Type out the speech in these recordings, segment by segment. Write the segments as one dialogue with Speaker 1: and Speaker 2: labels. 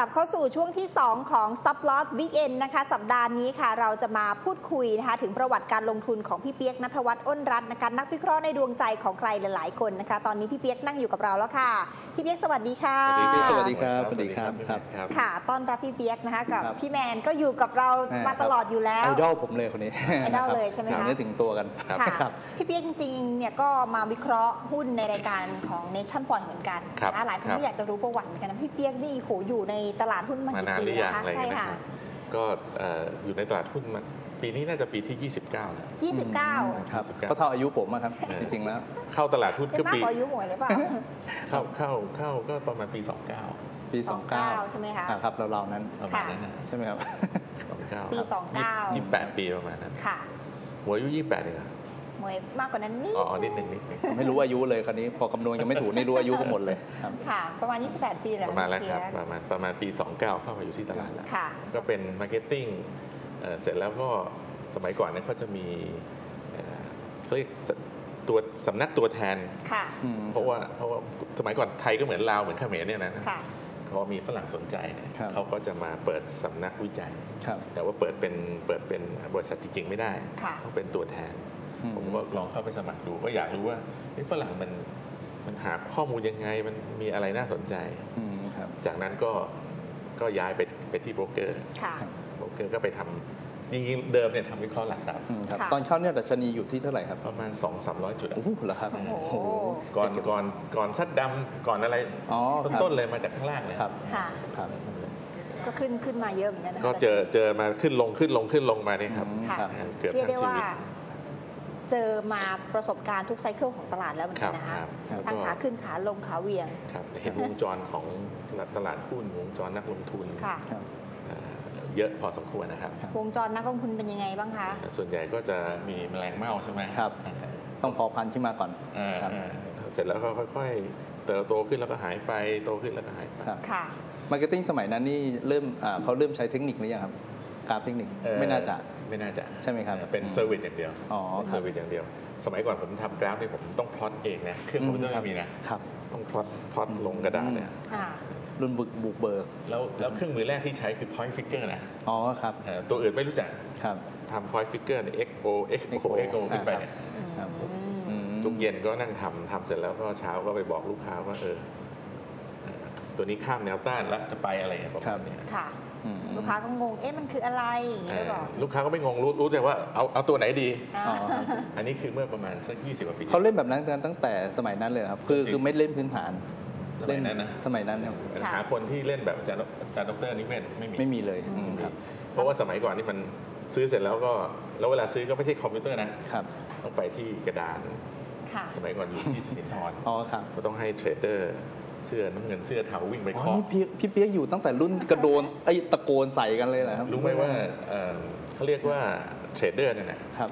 Speaker 1: บเข้าสู่ช่วงที่ 2 ของ Stop Loss Weekend นะคะสัปดาห์นี้ค่ะเราจะมาพูดคุยนะคะถึงประวัติการลงทุนของพี่เปียกณัฐวัฒน์อ้นรัตน์นะคะนักวิเคราะห์ในดวงใจของใครหลายๆคนนะคะตอนนี้พี่เปียกนั่งอยู่กับเราแล้วค่ะพี่เปียกสวัสดีค่ะ
Speaker 2: สวัสดีครับสวัสดีครับ
Speaker 1: ค่ะต้อนรับพี่เปียกนะคะกับพี่แมนก็อยู่กับเรามาตลอดอยู่แล้ว
Speaker 2: ไอดอลผมเลยคนนี้
Speaker 1: ไอดอลเลยใช่ไหมคะ
Speaker 2: นึกถึงตัวกัน
Speaker 1: ค่ะพี่เปียกจริงๆเนี่ยก็มาวิเคราะห์หุ้นในรายการของ Nation Point เหมือนกันนะหลายคนก็อยากจะรู้ประวัติเหมือนกันนะพี่เปียกนี่โหอยู่ในตลาดหุ้นมากี่ปีแล้วคะใช่ค่ะ
Speaker 3: ก็อยู่ในตลาดหุ้นมาปีนี้น่าจะปีที่29แล้ว
Speaker 1: 29
Speaker 2: ครับก็เท่าอายุผมครับจริงๆแล้ว
Speaker 3: เข้าตลาดหุ้นก็ปี
Speaker 1: มากกว่าอายุหมวยหรือเปล่า
Speaker 3: เข้าก็ประมาณปี29
Speaker 1: ปี29ใช่ไหมคะ
Speaker 2: ครับเรานั้น
Speaker 3: ประมาณนั้น
Speaker 2: ใช่ไหมครับ
Speaker 1: 29ปี29
Speaker 3: 28 ปีประมาณนั้น
Speaker 1: ค่ะ
Speaker 3: หัวอายุ28เอง
Speaker 1: หมวยมากกว่านั้นนิด
Speaker 3: นิดนึง
Speaker 2: ไม่รู้อายุเลยคราวนี้พอคำนวณยังไม่ถูกนี่รู้อายุกันหมดเลย
Speaker 1: ค่ะประมาณ28ปีแล้ว
Speaker 3: ประมาณแล้วครับประมาณปี29เข้ามาอยู่ที่ตลาดแล้วก็เป็นมาร์เก็ตติ้งเสร็จแล้วก็สมัยก่อนเนี่ยเขาจะมีเขาเรียกตัวสำนักตัวแทนเพราะว่าสมัยก่อนไทยก็เหมือนลาวเหมือนเขมรเนี่ยนะเขามีฝรั่งสนใจเขาก็จะมาเปิดสำนักวิจัยแต่ว่าเปิดเป็นบริษัทจริงๆไม่ได้ต้องเป็นตัวแทนผมก็ลองเข้าไปสมัครดูก็อยากรู้ว่าฝรั่งมันหาข้อมูลยังไงมันมีอะไรน่าสนใจจากนั้นก็ย้ายไปที่โบรกเกอร์ก็ไปทำจริงๆเดิมเนี่ยทำวิเคราะห์หลักทรัพย์
Speaker 2: ตอนเข้าเนี่ยดัชนีอยู่ที่เท่าไหร่ครับ
Speaker 3: ประมาณ 200-300 จุด
Speaker 2: โอ้โหเหรอครับ
Speaker 3: ก่อนซัดดำก่อนอะไรต้นเลยมาจากข้างล่างเลย
Speaker 1: ครับก็ขึ้นมาเยอะเหมือนกันนะ
Speaker 3: ก็เจอมาขึ้นลงมาเนี่ยครับ
Speaker 1: เกือบทั้งชีวิตเจอมาประสบการณ์ทุกไซเคิลของตลาดแล้วเหมือนกันนะคะทั้งขาขึ้นขาลงขาเวียง
Speaker 3: เห็นวงจรของตลาดหุ้นวงจรนักลงทุนเยอะพอสมควรนะครับ
Speaker 1: วงจรนักลงทุนเป็นยังไงบ้างคะ
Speaker 3: ส่วนใหญ่ก็จะมีแมลงเม่าใช่ไหม
Speaker 2: ครับต้องพอพันขึ้นมาก่อน
Speaker 3: เสร็จแล้วก็ค่อยๆเติบโตขึ้นแล้วก็หายไปโตขึ้นแล้วก็หายไป
Speaker 1: ค่ะ
Speaker 2: มาร์เก็ตติ้งสมัยนั้นนี่เขาเริ่มใช้เทคนิคหรือยังครับกราฟเทคนิคไม่น่าจะใช่ไหมครับ
Speaker 3: เป็นเซอร์วิสอย่างเดียวเซอร์วิสอย่างเดียวสมัยก่อนผมทำกราฟนี่ผมต้องพลอตเองนะเครื่องคอมพิวเตอร์ไม่มีนะต้องพลอตลงกระดาษเนี่ย
Speaker 2: รุ่นบุกเบิก
Speaker 3: แล้วเครื่องมือแรกที่ใช้คือ point figure นะ
Speaker 2: ครับ
Speaker 3: ตัวอื่นไม่รู้จัก
Speaker 2: ครับ
Speaker 3: ทำ point figure เนี่ย XO ขึ้นไปเนี่ยทุกเย็นก็นั่งทำเสร็จแล้วก็เช้าก็ไปบอกลูกค้าว่าตัวนี้ข้ามแนวต้านแล้วจะไปอะไรประมาณนี้
Speaker 1: ค่ะลูกค้าก็งงมันคืออะไรอย่างเงี้ยหรอ
Speaker 3: ลูกค้าก็ไม่งงรู้แต่ว่าเอาตัวไหนดีอันนี้คือเมื่อประมาณสัก20 กว่าปี
Speaker 2: เขาเล่นแบบนั้นตั้งแต่สมัยนั้นเลยครับคือไม่เล่นพื้นฐาน
Speaker 3: เล่นนั้นนะ
Speaker 2: สมัยนั้นครับ
Speaker 3: หาคนที่เล่นแบบอาจารย์ดร.นิเวศ
Speaker 2: ไม่มีเลยครับ
Speaker 3: เพราะว่าสมัยก่อนนี่มันซื้อเสร็จแล้วเวลาซื้อก็ไม่ใช่คอมพิวเตอร์นะครับต้องไปที่กระดานสมัยก่อนอยู่ที่สิรินธร
Speaker 2: ครับ
Speaker 3: ก็ต้องให้เทรดเดอร์เสื้อน้ำเงินเสื้อเทาวิ่งไปเคาะ
Speaker 2: นี่พี่เปียกอยู่ตั้งแต่รุ่นกระโดนตะโกนใส่กันเลยนะครับ
Speaker 3: รู้ไหมว่าเขาเรียกว่าเทรดเดอร์เนี่ย
Speaker 2: ครับ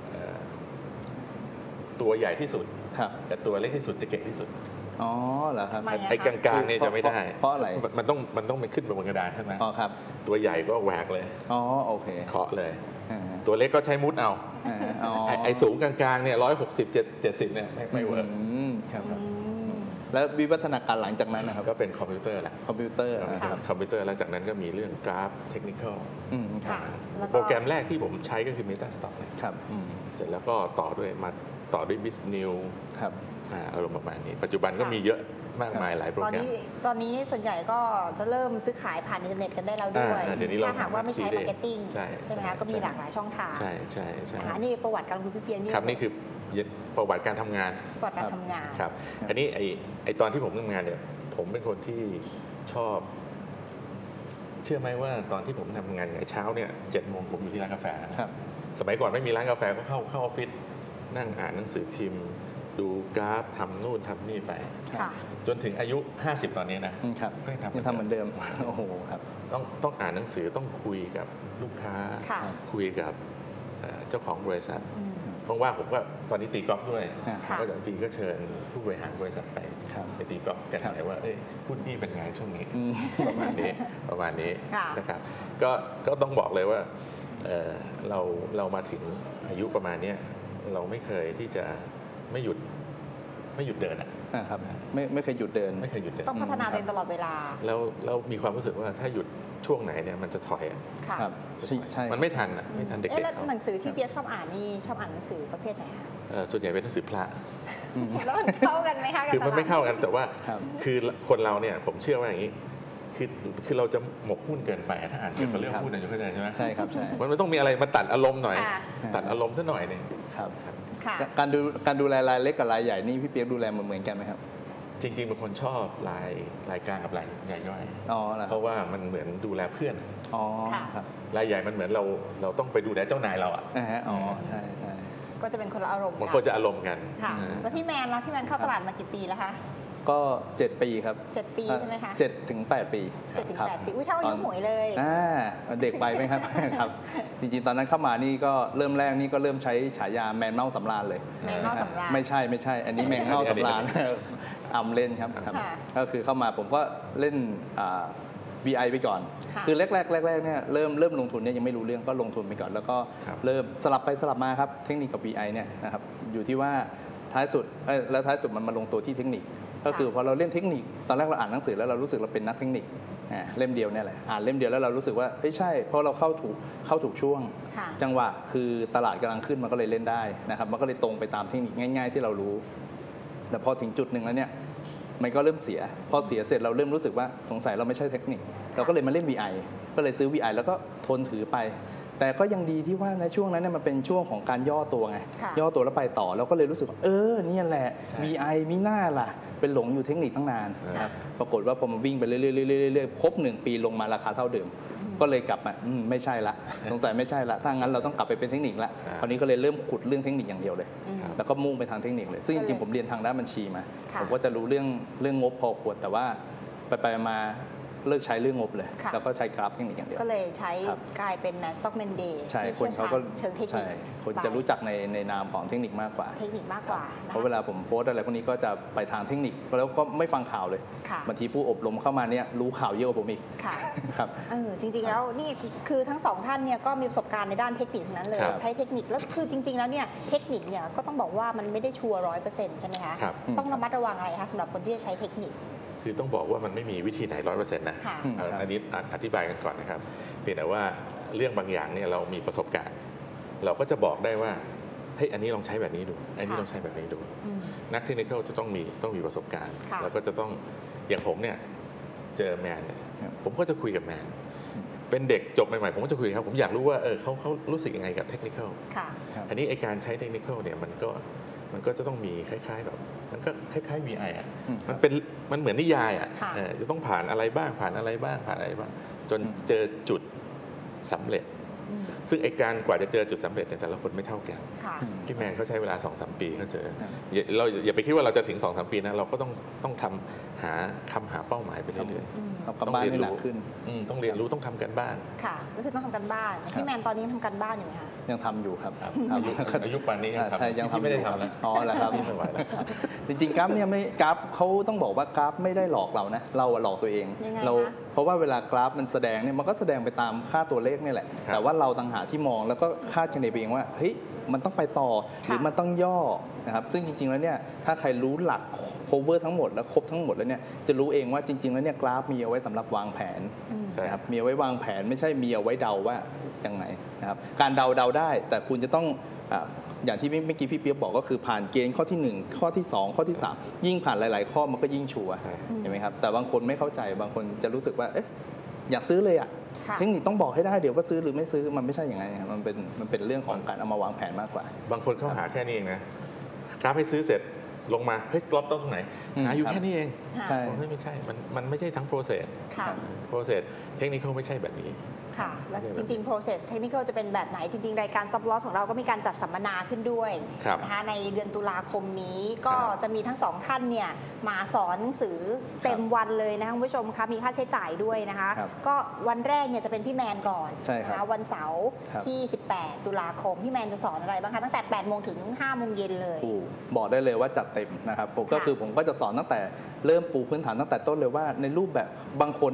Speaker 3: ตัวใหญ่ที่สุดแต่ตัวเล็กที่สุดจะเก่งที่สุด
Speaker 2: เหรอครับ
Speaker 3: ไอ้กลางๆเนี่ยจะไม่ได้
Speaker 2: เพราะอะไร
Speaker 3: มันต้องไปขึ้นบนกระดานใช่ไหม
Speaker 2: ครับ
Speaker 3: ตัวใหญ่ก็แหวกเลย
Speaker 2: โอเค
Speaker 3: เคาะเลยตัวเล็กก็ใช้มุดเอาไอ้สูงกลางๆเนี่ย160-70เนี่ยไม่เวิร์ก
Speaker 2: ครับแล้ววิวัฒนาการหลังจากนั้นนะครับ
Speaker 3: ก็เป็นคอมพิวเตอร์แหละ
Speaker 2: คอมพิวเตอร์
Speaker 3: แล้วจากนั้นก็มีเรื่องกราฟเทคนิคอลโปรแกรมแรกที่ผมใช้ก็คือ MetaStock
Speaker 2: ครับ
Speaker 3: เสร็จแล้วก็ต่อด้วย BizNew
Speaker 2: ครับ
Speaker 3: อารมณ์ประมาณนี้ปัจจุบันก็มีเยอะมากมายหลายโปรแกรม
Speaker 1: ตอนนี้ส่วนใหญ่ก็จะเริ่มซื้อขายผ่านอินเทอร์เน็ตกันได้แล้วด้วยถ้าหากว่าไม่ใช้มาร์เก็ตติ้งใช่ไหมคะก็มีหลากหลายช่องทาง
Speaker 3: ใช่
Speaker 1: นี่ประวัติการลงทุนพี่เปียกนี่
Speaker 3: ครับนี่คือประวัติการทำงานครับอันนี้ไอตอนที่ผมทำงานเนี่ยผมเป็นคนที่ชอบเชื่อไหมว่าตอนที่ผมทำงานเช้าเนี่ย7 โมงผมอยู่ที่ร้านกาแฟสมัยก่อนไม่มีร้านกาแฟก็เข้าออฟฟิศนั่งอ่านหนังสือพิมพ์ดูกราฟทำนู่นทำนี่ไปจนถึงอายุ50ตอนนี้
Speaker 2: นะครับยังทำเหมือนเดิมโอ้โหครับ
Speaker 3: ต้องอ่านหนังสือต้องคุยกับลูกค้าคุยกับเจ้าของบริษัทว่างๆผมก็ตอนนี้ตีกอล์ฟด้วยก็เดี๋ยวพี่ก็เชิญผู้บริหารบริษัทไปตีกอล์ฟกันหน่อยว่าหุ้นนี่เป็นไงช่วงนี้ประมาณนี้นะครับก็ต้องบอกเลยว่าเรามาถึงอายุประมาณนี้เราไม่เคยที่จะไม่หยุดเดิน
Speaker 2: ครับไม่เคยหยุดเดิน
Speaker 3: ไม่เคยหยุดเดิน
Speaker 1: ต้องพัฒนาตัวเองตลอดเวลา
Speaker 3: แล้วมีความรู้สึกว่าถ้าหยุดช่วงไหนเนี่ยมันจะถอย
Speaker 2: ครับใช่
Speaker 3: มันไม่ทันไม่ทันเด็กๆ
Speaker 1: แล้วหนังสือที่เปียกชอบอ่านนี่ชอบอ่านหนังสือประเภทไหนคะ
Speaker 3: ส่วนใหญ่เป็นหนังสือพระ
Speaker 1: แล้วมันเข้ากันไหมคะ
Speaker 3: คือมันไม่เข้ากันแต่ว่าคือคนเราเนี่ยผมเชื่อว่าอย่างนี้คือเราจะหมกมุ่นเกินไปถ้าอ่านเกี่ยวกับเรื่องหุ้นอยู่เข้าใจใช่ไหม
Speaker 2: ใช่ครับใช่
Speaker 3: มันต้องมีอะไรมาตัดอารมณ์หน่อยตัดอารมณ์ซะหน่อยนึง
Speaker 2: ครับการดูแลรายเล็กกับรายใหญ่นี่พี่เปียกดูแลเหมือนกันไหมครับ
Speaker 3: จริงๆเป็นคนชอบรายกลางกับรายใหญ่ย่อยเพราะว่ามันเหมือนดูแลเพื่อน
Speaker 2: ครับ
Speaker 3: รายใหญ่มันเหมือนเราต้องไปดูแลเจ้านายเรา
Speaker 2: ใช่
Speaker 1: ก็จะเป็นคนละอารมณ์
Speaker 3: มันควรจะอารมณ์กัน
Speaker 1: แล้วพี่แมนเข้าตลาดมากี่ปีแล้วคะ
Speaker 2: ก็7 ปีครับ
Speaker 1: 7 ปีใช่ไหมคะ
Speaker 2: 7 ถึง 8 ปี
Speaker 1: 7 ถึง 8 ปีอุ้ยเท่าอายุหมวยเลย
Speaker 2: เด็กไปไหมครับครับจริงๆตอนนั้นเข้ามานี่ก็เริ่มแรกนี่ก็เริ่มใช้ฉายาแมนเม่าสำราญเลย
Speaker 1: แมนเม่าสำราญ
Speaker 2: ไม่ใช่อันนี้แมนเม่าสำราญเล่นครับก็คือเข้ามาผมก็เล่นVI ไปก่อนคือแรกเนี่ยเริ่มลงทุนเนี่ยยังไม่รู้เรื่องก็ลงทุนไปก่อนแล้วก็เริ่มสลับไปสลับมาครับเทคนิคกับ VI เนี่ยนะครับอยู่ที่ว่าท้ายสุดมันมาลงตัวที่เทคนิคก็คือพอเราเล่นเทคนิคตอนแรกเราอ่านหนังสือแล้วเรารู้สึกเราเป็นนักเทคนิคเล่มเดียวเนี่ยแหละอ่านเล่มเดียวแล้วเรารู้สึกว่าใช่เพราะเราเข้าถูกช่วงจังหวะคือตลาดกำลังขึ้นมันก็เลยเล่นได้นะครับมันก็เลยตรงไปตามเทคนิคง่ายๆที่เรารู้แต่พอถึงจุดหนึ่งแล้วเนี่ยมันก็เริ่มเสียพอเสียเสร็จเราเริ่มรู้สึกว่าสงสัยเราไม่ใช่เทคนิคเราก็เลยมาเล่น VI ก็เลยซื้อ VI แล้วก็ทนถือไปแต่ก็ยังดีที่ว่าในช่วงนั้นเนี่ยมันเป็นช่วงของการย่อตัวไงย่อตัวแล้วไปต่อเราก็เลยรู้สึกว่าเนี่ยแหละ VI มีหน้าล่ะเป็นหลงอยู่เทคนิคตั้งนานนะครับปรากฏว่าพอมันวิ่งไปเรื่อยๆครบ1 ปีลงมาราคาเท่าเดิมก็เลยกลับมาไม่ใช่ละสงสัยไม่ใช่ละถ้างั้นเราต้องกลับไปเป็นเทคนิคละคราวนี้ก็เลยเริ่มขุดเรื่องเทคนิคอย่างเดียวเลยแล้วก็มุ่งไปทางเทคนิคเลยซึ่งจริงๆผมเรียนทางด้านบัญชีมาผมก็จะรู้เรื่องงบพอควรแต่ว่าไปมาเลิกใช้เรื่องงบเลยแล้วก็ใช้กราฟเทคนิคอย่างเดียว
Speaker 1: ก็เลยใช้กลายเป็นสต็อกแมนเดย์
Speaker 2: ใช่คนเขาก็
Speaker 1: เชิงเทคนิค
Speaker 2: คนจะรู้จักในนามของเทคนิคมากกว่าเพราะเวลาผมโพสอะไรพวกนี้ก็จะไปทางเทคนิคแล้วก็ไม่ฟังข่าวเลยบางทีผู้อบรมเข้ามาเนี่ยรู้ข่าวเยอะกว่าผมอีกครับ
Speaker 1: จริงๆแล้วนี่คือทั้งสองท่านเนี่ยก็มีประสบการณ์ในด้านเทคนิคนั้นเลยใช้เทคนิคแล้วคือจริงๆแล้วเนี่ยเทคนิคเนี่ยก็ต้องบอกว่ามันไม่ได้ชัวร์100%ใช่ไหมคะต้องระมัดระวังอะไรคะสำหรับคนที่จะใช้เทคนิค
Speaker 3: คือต้องบอกว่ามันไม่มีวิธีไหน100%นะอันนี้อธิบายกันก่อนนะครับเพียงแต่ว่าเรื่องบางอย่างเนี่ยเรามีประสบการณ์เราก็จะบอกได้ว่าเฮ้ยอันนี้ลองใช้แบบนี้ดูอันนี้ลองใช้แบบนี้ดูนักเทคนิคจะต้องมีประสบการณ์แล้วก็จะต้องอย่างผมเนี่ยเจอแมนเนี่ยผมก็จะคุยกับแมนเป็นเด็กจบใหม่ๆผมก็จะคุยครับผมอยากรู้ว่าเขารู้สึกยังไงกับเทคนิคอันนี้ไอการใช้เทคนิคเนี่ยมันก็จะต้องมีคล้ายๆแบบมันก็คล้ายๆ VI อ่ะมันเหมือนนิยายอ่ะจะต้องผ่านอะไรบ้างจนเจอจุดสำเร็จซึ่งไอการกว่าจะเจอจุดสำเร็จเนี่ยแต่ละคนไม่เท่ากันพี่แมนเขาใช้เวลา 2-3 ปีเขาเจอเราอย่าไปคิดว่าเราจะถึง 2-3 ปีนะเราก็ต้องทำหาเป้าหมายไปเรื่อย
Speaker 2: ๆต้องเรียนรู้ขึ้น
Speaker 3: ต้องเรียนรู้ต้องทำกันบ้าน
Speaker 1: ค่ะก็คือต้องทำกันบ้านพี่แมนตอนนี้ทำกันบ้านอยู่ไหมคะ
Speaker 2: ยังทำอยู่ครับ
Speaker 3: อายุป่านนี้
Speaker 2: ใช่ยังทำ
Speaker 3: ไม่ได้ทำแล้ว
Speaker 2: แหละครับจริงๆกราฟเนี่ยไม่กราฟเขาต้องบอกว่ากราฟไม่ได้หลอกเรานะเราหลอกตัวเองเราเพราะว่าเวลากราฟมันแสดงเนี่ยมันก็แสดงไปตามค่าตัวเลขนี่แหละแต่ว่าเราต่างหากที่มองแล้วก็คาดคะเนไปเองว่าเฮ้ยมันต้องไปต่อหรือมันต้องย่อนะครับซึ่งจริงๆแล้วเนี่ยถ้าใครรู้หลัก cover ทั้งหมดและครบทั้งหมดแล้วเนี่ยจะรู้เองว่าจริงๆแล้วเนี่ยกราฟมีเอาไว้สำหรับวางแผนนะครับมีเอาไว้วางแผนไม่ใช่มีเอาไว้เดาว่าอย่างไรนะครับการเดาได้แต่คุณจะต้องอย่างที่เมื่อกี้พี่เปี๊ยกบอกก็คือผ่านเกณฑ์ข้อที่1ข้อที่2ข้อที่3ยิ่งผ่านหลายๆข้อมันก็ยิ่งชัวร์เห็นไหมครับแต่บางคนไม่เข้าใจบางคนจะรู้สึกว่าอยากซื้อเลยอ่ะเทคนิคต้องบอกให้ได้เดี๋ยวก็ซื้อหรือไม่ซื้อมันไม่ใช่อย่างนั้นครับมันเป็นเรื่องของการเอามาวางแผนมากกว่า
Speaker 3: บางคนเข้าหาแค่นี้เองนะกราฟให้ซื้อเสร็จลงมาเฮ้ยสต็อปต้องตรงไหนหาอยู่แค่นี้เอง
Speaker 2: ใช่
Speaker 3: ไม่ใช่มันไม่ใช่ทั้ง process เทคนิคไม่ใช่แบบนี้
Speaker 1: ค่ะและจริงๆ process technical จะเป็นแบบไหนจริงๆรายการ Stop Loss ของเราก็มีการจัดสัมมนาขึ้นด้วยนะคะในเดือนตุลาคมนี้ก็จะมีทั้ง2ท่านเนี่ยมาสอนหนังสือเต็มวันเลยนะคะคุณผู้ชมคะมีค่าใช้จ่ายด้วยนะคะก็วันแรกเนี่ยจะเป็นพี่แมนก่อนนะคะวันเสาร์ที่18ตุลาคมพี่แมนจะสอนอะไรบ้างคะตั้งแต่8โมงถึง5โมงเย็นเลย
Speaker 2: บอกได้เลยว่าจัดเต็มนะครับผมก็จะสอนตั้งแต่เริ่มปูพื้นฐานตั้งแต่ต้นเลยว่าในรูปแบบบางคนเนี่ย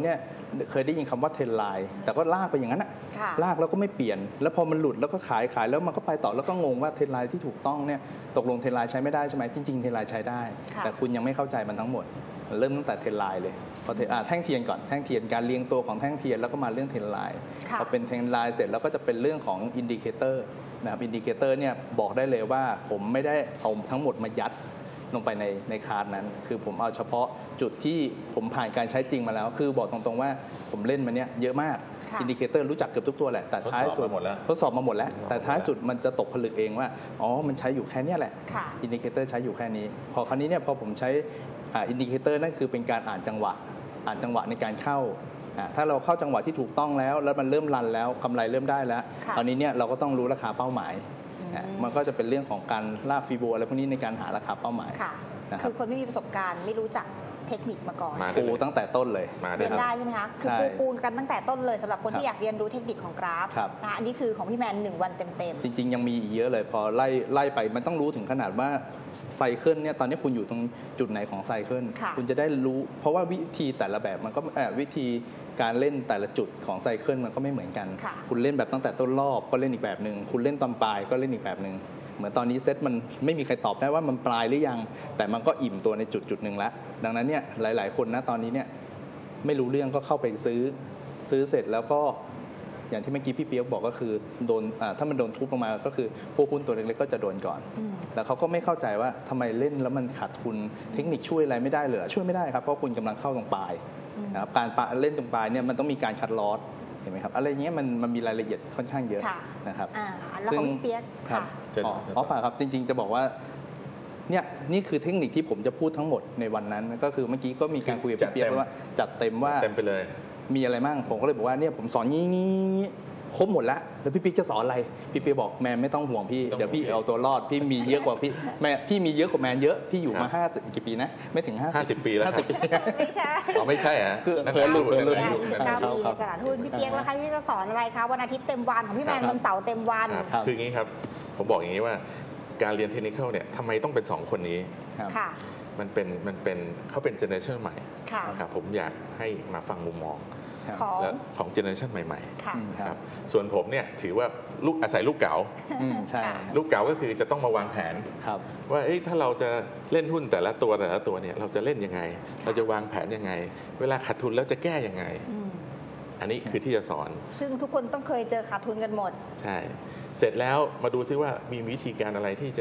Speaker 2: เคยได้ยินคำว่าเทรนไลน์แต่ก็ลากไปอย่างนั้นอะ
Speaker 1: ค่ะ
Speaker 2: ลากแล้วก็ไม่เปลี่ยน แล้วพอมันหลุดแล้วก็ขายแล้วมันก็ไปต่อแล้วก็งงว่าเทรนไลน์ที่ถูกต้องเนี่ยตกลงเทรนไลน์ใช้ไม่ได้ใช่ไหมจริงๆเทรนไลน์ใช้ได้
Speaker 1: ค่ะ
Speaker 2: แต่คุณยังไม่เข้าใจมันทั้งหมดมันเริ่มตั้งแต่เทรนไลน์เลยพอแท่งเทียนก่อนแท่งเทียนการเรียงตัวของแท่งเทียนแล้วก็มาเรื่องเทรนไลน์
Speaker 1: ค่ะ
Speaker 2: พอเป็นเทรนไลน์เสร็จแล้วก็จะเป็นเรื่องของอินดิเคเตอร์นะครับอินดิเคเตอร์เนี่ยบอกได้เลยว่าผมไม่ได้เอาทั้งหมดมายัดลงไปในคาร์ดนั้น คือผมเอาเฉพาะจุดที่ผมผ่านการใช้จริงมาแล้ว คือบอกตรงๆว่าผมเล่นมาเนี้ยเยอะมาก
Speaker 1: ค่ะ
Speaker 2: อินดิเคเตอร์รู้จักเกือบทุกตัวแหละแต่ท้ายสุด
Speaker 3: ทดสอบมาหมดแล้ว
Speaker 2: ทดสอบมาหมดแล้ว แต่ท้ายสุดมันจะตกผลึกเองว่าอ๋อมันใช้อยู่แค่เนี้ยแหละ
Speaker 1: ค่ะ
Speaker 2: อินดิเคเตอร์ใช้อยู่แค่นี้พอคราวนี้เนี่ยพอผมใช้อินดิเคเตอร์นั่นคือเป็นการอ่านจังหวะในการเข้าถ้าเราเข้าจังหวะที่ถูกต้องแล้วมันเริ่มรันแล้วกำไรเริ่มได้แล้ว
Speaker 1: ค่ะ
Speaker 2: คราวนี้เนี่ยเราก็ต้องรู้ราคาเป้าหมายมันก็จะเป็นเรื่องของการลากฟีโบอะไรพวกนี้ในการหาราคาเป้าหมาย
Speaker 1: ค่ะ
Speaker 2: นะครับ
Speaker 1: คือคนไม่มีประสบการณ์ไม่รู้จักเทคนิคมาก่อน
Speaker 3: มา
Speaker 2: ปูตั้งแต่ต้นเลย
Speaker 3: มา
Speaker 1: เรียน
Speaker 3: ค
Speaker 1: ได้
Speaker 3: รับ
Speaker 1: ใช่ไหมคะ คือ
Speaker 2: ใช่
Speaker 1: ปูกันตั้งแต่ต้นเลยสำหรับคน
Speaker 2: ครับ
Speaker 1: ที่อยากเรียนรู้เทคนิคของกราฟ
Speaker 2: ครับ
Speaker 1: นะคะอันนี้คือของพี่แมน1 วันเต็ม
Speaker 2: จริงๆ ยังมีอีกเยอะเลยพอไล่ไปมันต้องรู้ถึงขนาดว่าไซเคิลเนี่ยตอนนี้คุณอยู่ตรงจุดไหนของไซเคิล
Speaker 1: ค่ะ
Speaker 2: คุณจะได้รู้เพราะว่าวิธีแต่ละแบบมันก็วิธีการเล่นแต่ละจุดของไซเคิลมันก็ไม่เหมือนกัน
Speaker 1: ค่ะ
Speaker 2: คุณเล่นแบบตั้งแต่ต้นรอบก็เล่นอีกแบบหนึ่งคุณเล่นตอนปลายก็เล่นอีกแบบหนึ่งเหมือนตอนนี้เซตมันไม่มีใครตอบได้ว่ามันปลายหรือยัง แต่มันก็อิ่มตัวในจุดหนึ่งแล้วดังนั้นเนี่ยหลายๆคนนะตอนนี้เนี่ยไม่รู้เรื่องก็เข้าไปซื้อเสร็จแล้วก็อย่างที่เมื่อกี้พี่เปียกบอกก็คือโดนถ้ามันโดนทุบลงมาก็คือพวกหุ้นตัวเล็กๆก็จะโดนก่อน แล้วเขาก็ไม่เข้าใจว่าทำไมเล่นแล้วมันขาดทุนเทคนิคช่วยอะไรไม่ได้เลยช่วยไม่ได้ครับเพราะคุณกำลังเข้าตรงปลายนะครับการเล่นตรงปลายเนี่ยมันต้องมีการคัดลอสเห็นไหมครับอะไรเงี้ยมันมีรายละเอียดค่อนข้างเยอะ
Speaker 1: ค่ะ
Speaker 2: นะครับ
Speaker 1: แล้วของพี่เปียก
Speaker 2: ครับ
Speaker 1: ค่ะ
Speaker 2: อ๋อเปล่าครับจริงๆจะบอกว่าเนี่ยนี่คือเทคนิคที่ผมจะพูดทั้งหมดในวันนั้นก็คือเมื่อกี้ก็มีการคุยกับพี่เปียกว่าจัดเต็มว่า
Speaker 3: เต็มไปเลย
Speaker 2: มีอะไรมั่งผมก็เลยบอกว่าเนี่ยผมสอนงี้ครบหมดแล้วแล้วพี่ปิ๊กจะสอนอะไรพี่ปิ๊กบอกแมนไม่ต้องห่วงพี่เดี๋ยวพี่เอาตัวรอดพี่มีเยอะกว่าพี่มีเยอะกว่าแมนเยอะพี่อยู่มา50กี่ปีนะไม่ถึง50
Speaker 3: ปีแล้วครับ
Speaker 2: 50 ปี
Speaker 1: ไม่ใช่
Speaker 3: อ๋อไม่ใช่ฮะ
Speaker 2: คือ
Speaker 3: นั่น
Speaker 2: เผลอหลุด
Speaker 3: นั่น
Speaker 2: เผลอหลุด
Speaker 3: นั่น
Speaker 1: 19
Speaker 3: นั่น
Speaker 1: ปีในตลาดหุ้นพี่เปียกแล้วคะพี่จะสอนอะไรคะวันอาทิตย์เต็มวันของพี่แมน
Speaker 2: ครับ
Speaker 1: วันเสาร์เต็มวัน
Speaker 3: ครับคืออย่างนี้ครับผมบอกอย่างนี้ว่าการเรียนเทคนิคเนี่ยทำไมต้องเป็น2คนนี้
Speaker 2: ครับ
Speaker 1: ค่ะ
Speaker 3: มันเป็นเขาเป็นเจเนอเรชันใหม่
Speaker 1: ค่ะ
Speaker 3: นะครับผมอยากให้มาฟังมุมมอง
Speaker 2: ครับ
Speaker 1: ของ
Speaker 3: และของเจเนอเรชันใหม่
Speaker 1: ค่ะ
Speaker 3: ๆครับส่วนผมเนี่ยถือว่าอาศัยลูกเก๋า
Speaker 2: ใช่
Speaker 3: ลูกเก๋าก็คือจะต้องมาวางแผน
Speaker 2: ครับ
Speaker 3: ว่าถ้าเราจะเล่นหุ้นแต่ละตัวเนี่ยเราจะเล่นยังไง เราจะวางแผนยังไง เวลาขาดทุนแล้วจะแก้ยังไง อันนี้คือที่จะสอน
Speaker 1: ซึ่งทุกคนต้องเคยเจอขาดทุนกันหมด
Speaker 3: ใช่ เสร็จแล้วมาดูซิว่ามีวิธีการอะไรที่จะ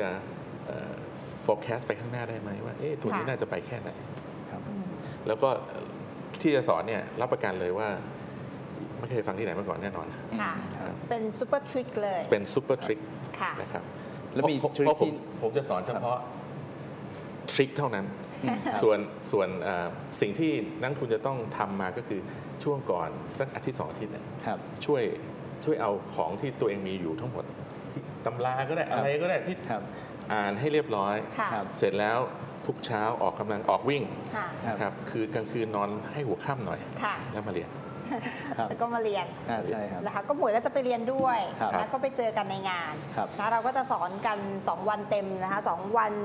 Speaker 3: forecast ไปข้างหน้าได้ไหมว่าทุนนี้
Speaker 1: ค่ะ
Speaker 3: น่าจะไปแค่ไหน
Speaker 2: ครับ
Speaker 3: แล้วก็ที่จะสอนเนี่ยรับประกันเลยว่าไม่เคยฟังที่ไหนมาก่อนแน่นอน
Speaker 1: ค่ะ
Speaker 2: ครับ
Speaker 1: เป็นซูเปอร์ทริคเลย
Speaker 3: เป็นซูเปอร์ทริค
Speaker 1: ค่ะ
Speaker 3: นะครับ
Speaker 2: แล้วมี
Speaker 3: เพราะ
Speaker 2: trick ที่
Speaker 3: ผมจะสอนเฉพาะทริคเท่านั้น ส่วนสิ่งที่นักลงทุนจะต้องทำมาก็คือช่วงก่อนสักอาทิตย์2 อาทิตย์เนี่ย
Speaker 2: ครับ
Speaker 3: ช่วยเอาของที่ตัวเองมีอยู่ทั้งหมดที่ตำราก็ได้
Speaker 2: ครับ
Speaker 3: อะไรก็ได้ที่
Speaker 2: ครับ
Speaker 3: อ่านให้เรียบร้อย
Speaker 1: ค่ะ
Speaker 2: ครับ
Speaker 3: เสร็จแล้วทุกเช้าออกกำลังออกวิ่ง
Speaker 1: ค่ะ
Speaker 2: ครับ
Speaker 3: นะครับคือกลางคืนนอนให้หัวค่ำหน่อย
Speaker 1: ค่ะ
Speaker 3: แล้วมาเรียน
Speaker 2: ครับ
Speaker 1: แล้วก็มาเรียน
Speaker 2: ใช่ครับ
Speaker 1: นะคะก็หมวยก็จะไปเรียนด้วย
Speaker 2: ครับ
Speaker 1: แล้วก็ไปเจอกันในงาน
Speaker 2: ครับ
Speaker 1: นะเราก็จะสอนกัน 2 วันเต็มนะคะ2 วัน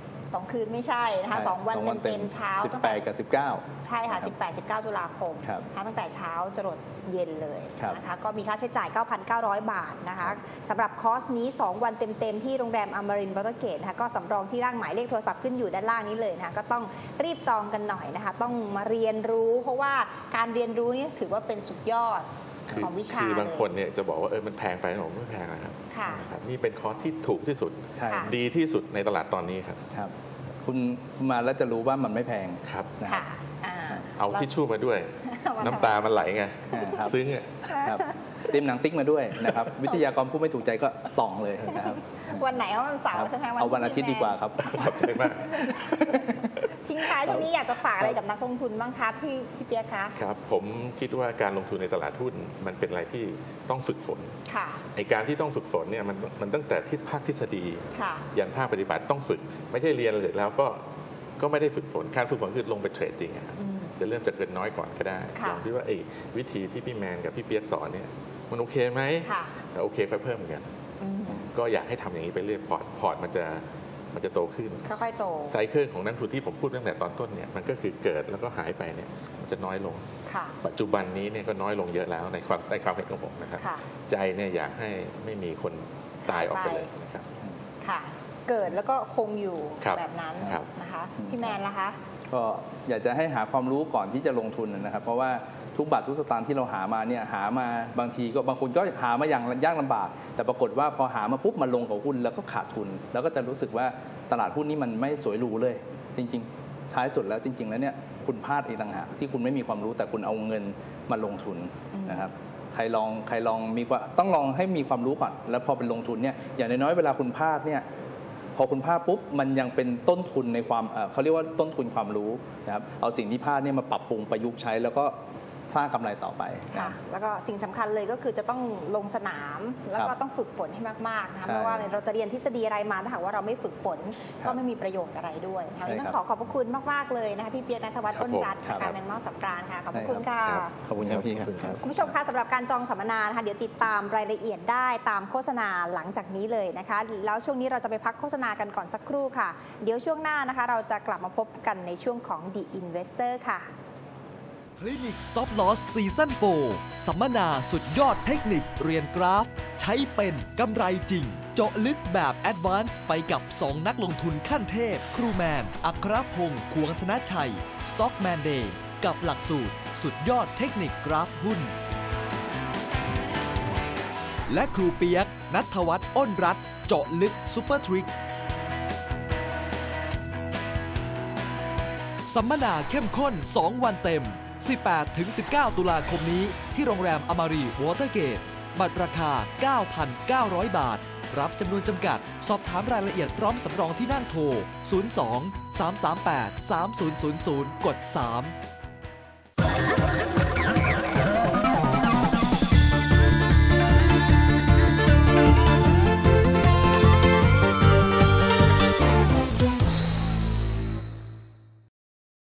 Speaker 1: 2 คืนไม่ใช่นะคะ2 วันเต็มๆเช้าตั้งแต่
Speaker 2: 18 กับ 19
Speaker 1: ใช่ค่ะ 18-19 ตุลาคม
Speaker 2: ครับ
Speaker 1: นะคะตั้งแต่เช้าจรดเย็นเลย
Speaker 2: ครับ
Speaker 1: นะคะก็มีค่าใช้จ่าย 9,900 บาทนะคะสำหรับคอร์สนี้ 2 วันเต็มๆที่โรงแรมอมรินทร์วอเตอร์เกตนะคะก็สำรองที่ร่างหมายเลขโทรศัพท์ขึ้นอยู่ด้านล่างนี้เลยนะคะก็ต้องรีบจองกันหน่อยนะคะต้องมาเรียนรู้ เพราะว่าการเรียนรู้นี่ถือว่าเป็นสุดยอดของวิชา
Speaker 3: คือบางคน
Speaker 1: เลย
Speaker 3: เนี่ยจะบอกว่ามันแพงไปผมไม่แพงนะครับ
Speaker 1: ค่ะ
Speaker 3: นะครับนี่เป็นคอร์สที่ถูกที่สุด
Speaker 2: ใช่
Speaker 1: ค่ะ
Speaker 3: ดีที่สุดในตลาดตอนนี้ครับ
Speaker 2: ครับคุณมาแล้วจะรู้ว่ามันไม่แพง
Speaker 3: ครับ
Speaker 2: นะ
Speaker 1: ค่ะอ่า
Speaker 3: เอาทิชชู่มาด้วย
Speaker 1: มาทำ
Speaker 3: น้ำตามันไหลไง
Speaker 2: ครับ
Speaker 3: ซึ้งอ่ะ
Speaker 2: ครับเตรียมหนังติ๊กมาด้วยนะครับ วิทยากรผู้ไม่ถูกใจก็ส่องเลยนะครับ
Speaker 1: วันไหนเอาวันเสาร์ใช่ไหม
Speaker 2: เอาวันอาทิตย์ดีกว่าครับ
Speaker 3: ขอบใจมาก
Speaker 1: ทิ้งท้ายช่วงนี้อยากจะฝากอะไรกับนักลงทุนบ้างคะพี่เปียกคะ
Speaker 3: ครับผมคิดว่าการลงทุนในตลาดหุ้นมันเป็นอะไรที่ต้องฝึกฝน
Speaker 1: ค่ะ
Speaker 3: ไอการที่ต้องฝึกฝนเนี่ยมันตั้งแต่ที่ภาคทฤษฎี
Speaker 1: ค่ะ
Speaker 3: ยันภาคปฏิบัติต้องฝึก ไม่ใช่เรียนเสร็จแล้วก็ไม่ได้ฝึกฝนการฝึกฝนคือลงไปเทรดจริงอะครับ
Speaker 1: อืม
Speaker 3: จะเริ่มจากเกินน้อยก่อนก็ได้
Speaker 1: ค่ะ
Speaker 3: ลองดูว่าไอ้วิธีที่พี่แมนกับพี่เปียกสอนเนี่ยมันโอเคไหม
Speaker 1: ค่ะ
Speaker 3: แต่โอเคค่อยเพิ่มเหมือนกัน
Speaker 1: อืม
Speaker 3: ก็อยากให้ทำอย่างนี้ไปเรื่อยพอร์ตมันจะโตขึ้น
Speaker 1: ค่อยๆโต
Speaker 3: ไซเคิลของนักลงทุนที่ผมพูดตั้งแต่ตอนต้นเนี่ยมันก็คือเกิดแล้วก็หายไปเนี่ยมันจะน้อยลง
Speaker 1: ค่ะ
Speaker 3: ปัจจุบันนี้เนี่ยก็น้อยลงเยอะแล้วในความเห็นของผมนะครับ
Speaker 1: ค่ะ
Speaker 3: ใจเนี่ยอยากให้ไม่มีคนตายออกไปเลยนะครับ
Speaker 1: ค่ะ เกิดแล้วก็คงอยู่
Speaker 3: ครับ
Speaker 1: แบบนั้น
Speaker 3: ครับ
Speaker 1: นะคะพี่แมนล่ะคะ
Speaker 2: ก็อยากจะให้หาความรู้ก่อนที่จะลงทุนนะครับ เพราะว่าทุกบาททุกสตางค์ที่เราหามาเนี่ยหามาบางทีก็บางคนก็หามาอย่างยากลำบาก แต่ปรากฏว่าพอหามาปุ๊บมาลงกับหุ้นแล้วก็ขาดทุน แล้วก็จะรู้สึกว่าตลาดหุ้นนี่มันไม่สวยหรูเลย จริง ๆ ท้ายสุดแล้วจริง ๆ แล้วเนี่ยคุณพลาดเองต่างหากที่คุณไม่มีความรู้แต่คุณเอาเงินมาลงทุนนะครับใครลองต้องลองให้มีความรู้ก่อนแล้วพอเป็นลงทุนเนี่ยอย่างน้อยๆเวลาคุณพลาดเนี่ยพอคุณพลาดปุ๊บมันยังเป็นต้นทุนในความเขาเรียกว่าต้นทุนความรู้นะครับเอาสิ่งที่พลาดเนี่ยมาปรับปรุงประยุกต์ใช้แล้วก็สร้างกำไรต่อไป
Speaker 1: ค่ะ แล้วก็สิ่งสำคัญเลยก็คือจะต้องลงสนามแล้วก็ต้องฝึกฝนให้มากๆนะคะ
Speaker 2: ใช่
Speaker 1: เพราะว่าเราจะเรียนทฤษฎีอะไรมาถ้าหากว่าเราไม่ฝึกฝน
Speaker 2: ครับ
Speaker 1: ก็ไม่มีประโยชน์อะไรด้วย
Speaker 2: ใช่
Speaker 1: วันนี้ต้อง
Speaker 2: ครับ
Speaker 1: ขอบพระคุณมากๆเลยนะคะพี่เปียกณัฐวัฒน์
Speaker 3: ครับ
Speaker 1: อ้นรัตน์
Speaker 2: ผม
Speaker 1: นะ
Speaker 2: ครั
Speaker 1: คะ
Speaker 2: บ
Speaker 1: แมงเม่าสับปรานค่ะขอบพระคุณค่ะ
Speaker 3: ครับ
Speaker 2: ขอบคุณครับพี่ครับ
Speaker 1: คุณผู้ชมคะสำหรับการจองสัมมนานะคะเดี๋ยวติดตามรายละเอียดได้ตามโฆษณาหลังจากนี้เลยนะคะแล้วช่วงนี้เราจะไปพักโฆษณากันก่อนสักครู่ค่ะ เดี๋ยวช่วงหน้านะคะเราจะกลับมาพบกันในช่วงของ The Investor ค่ะ
Speaker 4: คลินิก Stop Loss Season 4 สัมมนาสุดยอดเทคนิคเรียนกราฟ ใช้เป็นกำไรจริง เจาะลึกแบบแอดวานซ์ไปกับ 2 นักลงทุนขั้นเทพ ครูแมน อัครพงศ์ ขวงธนชัย Stockman Day กับหลักสูตร สุดยอดเทคนิคกราฟหุ้น และครูเปียก ณัฐวัฒน์ อ้นรัตน์ เจาะลึกซูเปอร์ทริกสัมมนาเข้มข้น 2 วันเต็ม 18-19 ตุลาคมนี้ที่โรงแรมอมารีวอเตอร์เกต บัตรราคา 9,900 บาท รับจำนวนจำกัด สอบถามรายละเอียดพร้อมสำรองที่นั่งโทร 02 338 3000 กด 3